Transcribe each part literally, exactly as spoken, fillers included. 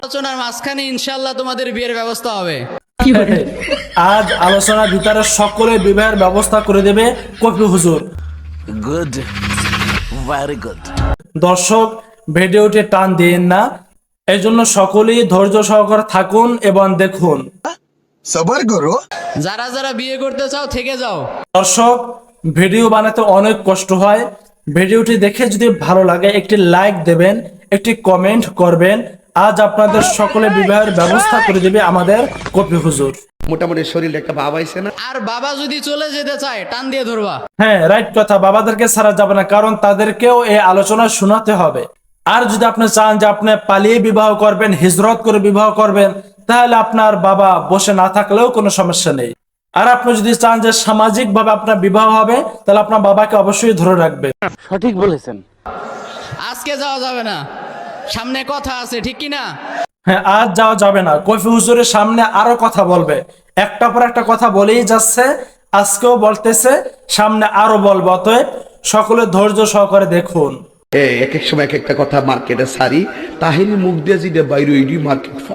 আলোচনার মাঝখানে ইনশাআল্লাহ তোমাদের বিয়ের ব্যবস্থা হবে। আজ আলোচনার ভিতরে সকলে বিবাহের ব্যবস্থা করে দেবে কফি হুজুর। Good, very good. দর্শক, ভিডিওটি টান দিন না, এই জন্য সকলেই ধৈর্য সহকারে থাকুন এবং দেখুন। সবার করো। যারা যারা বিয়ে করতে চাও থেকে যাও। দর্শক, ভিডিও বানাতে অনেক কষ্ট হয়। ভিডিওটি দেখে যদি ভালো লাগে একটি লাইক দেবেন, একটি কমেন্ট করবেন। আজ আপনাদের সকলে বিবাহের ব্যবস্থা করে দেবে আমাদের কফি হুজুর। মোটামুটি শরীরে একটা ভাব আইছে না? আর বাবা যদি চলে যেতে চায় টান দিয়ে ধরবা। হ্যাঁ, রাইট কথা, বাবাদেরকে ছাড়া যাবে না, কারণ তাদেরকেও এই আলোচনা শোনাতে হবে। আর যদি আপনি চান যে আপনি পালিয়ে বিবাহ করবেন, হিজরত করে বিবাহ করবেন, তাহলে আপনার বাবা বসে না থাকলেও কোনো সমস্যা নেই। আর আপনি যদি চান যে সামাজিক ভাবে আপনার বিবাহ হবে, তাহলে আপনার বাবাকে অবশ্যই ধরে রাখবেন। সঠিক বলেছেন। আজকে যাওয়া যাবে না, সামনে কথা আছে, ঠিক কি না? হ্যাঁ, আজ যাওয়া যাবে না, কফি হুজুরের সামনে আরো কথা বলবে, একটা পর একটা কথা বলেই যাচ্ছে, আজকেও বলতেছে, সামনে আরো বলবো। অতএব সকলে ধৈর্য সহকারে দেখুন। এই এক এক সময় এক একটা কথা মার্কেটে সারি, তাহিনী মুখ দিয়ে যেটা বাইরে ওইডি মার্কেট ফা।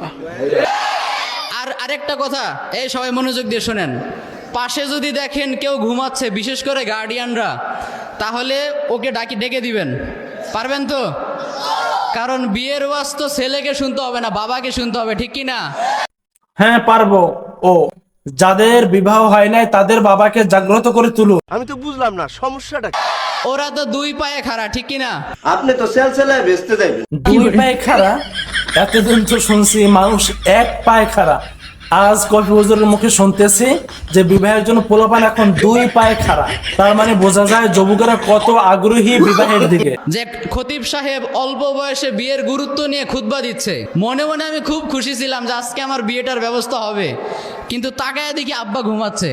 আর আরেকটা কথা, এই সবাই মনোযোগ দিয়ে শোনেন। পাশে যদি দেখেন কেউ ঘুমাচ্ছে, বিশেষ করে গার্ডিয়ানরা, তাহলে ওকে ডাকি ডেকে দিবেন। পারবেন তো? কারণ বিয়ের ওয়াজ তো ছেলেকে শুনতে হবে না, বাবাকে শুনতে হবে, ঠিক কি না? হ্যাঁ, পারবো। ও যাদের বিবাহ হয় নাই তাদের বাবাকে জাগ্রত করে তুলুন। আমি তো বুঝলাম না সমস্যাটা কি? ওরা তো দুই পায়ে খাড়া, ঠিক কি না? আপনি তো সেল সেলায় বেচতে যাবেন। দুই পায়ে খাড়া? এতদিন তো শুনছি মানুষ এক পায়ে খাড়া, আজ কফি হুজুরের মুখে শুনতেছি যে বিবাহের জন্য পোলাপান এখন দুই পায়ে খাড়া। তার মানে বোঝা যায় যুবকেরা কত আগ্রহী বিবাহের দিকে। যে খতিব সাহেব অল্প বয়সে বিয়ের গুরুত্ব নিয়ে খুতবা দিচ্ছে, মনে মনে আমি খুব খুশি ছিলাম যে আজকে আমার বিয়েটার ব্যবস্থা হবে, কিন্তু তাকায় দেখি আব্বা ঘুমাচ্ছে।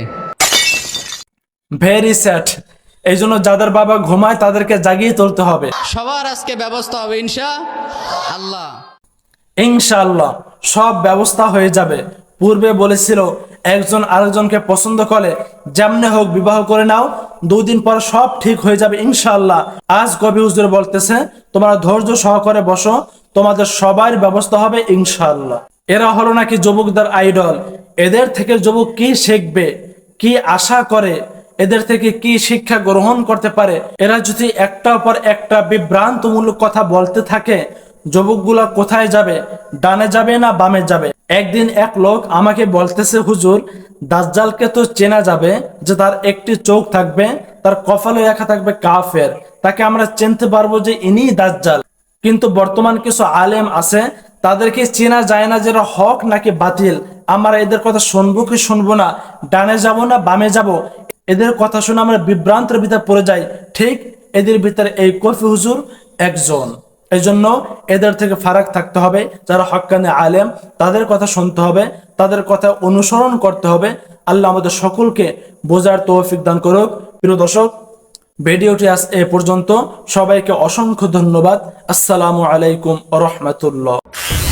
Very sad. এই জন্য যাদের বাবা ঘুমায় তাদেরকে জাগিয়ে তুলতে হবে। সবার আজকে ব্যবস্থা হবে ইনশা আল্লাহ। ইনশাআল্লাহ সব ব্যবস্থা হয়ে যাবে। পূর্বে বলেছিল একজন আরেকজনকে পছন্দ করে যেমনে হোক বিবাহ করে নাও, দুদিন পর সব ঠিক হয়ে যাবে ইনশাআল্লাহ। আজ কবি হুজুর বলতেছে তোমরা ধৈর্য সহকারে বসো, তোমাদের সবার ব্যবস্থা হবে ইনশাআল্লাহ। এরা হলো নাকি যুবকদের আইডল। এদের থেকে যুবক কি শিখবে, কি আশা করে, এদের থেকে কি শিক্ষা গ্রহণ করতে পারে? এরা যদি একটার পর একটা বিভ্রান্তমূলক কথা বলতে থাকে, যুবকগুলা কোথায় যাবে? ডানে যাবে না বামে যাবে? একদিন এক লোক আমাকে বলতেছে, হুজুর দাজ্জালকে তো চেনা যাবে যে তার একটি চোখ থাকবে, তার কপালে লেখা থাকবে কাফের, তাকে আমরা চিনতে পারবো যে ইনি দাজ্জাল। কিন্তু বর্তমান কিছু আলেম আছে, তাদেরকে চেনা যায় না যেটা হক নাকি বাতিল। আমরা এদের কথা শুনবো কি শুনবো না, ডানে যাব না বামে যাব, এদের কথা শুনে আমরা বিভ্রান্তের ভিতরে পড়ে যাই। ঠিক এদের ভিতরে এই কফি হুজুর একজন। এই জন্য এদের থেকে ফারাক থাকতে হবে। যারা হক্কানি আলেম তাদের কথা শুনতে হবে, তাদের কথা অনুসরণ করতে হবে। আল্লাহ আমাদের সকলকে বোঝার তৌফিক দান করুক। প্রিয় দর্শক, ভিডিওটি আজ এ পর্যন্ত। সবাইকে অসংখ্য ধন্যবাদ। আসসালামু আলাইকুম ওয়া রাহমাতুল্লাহ।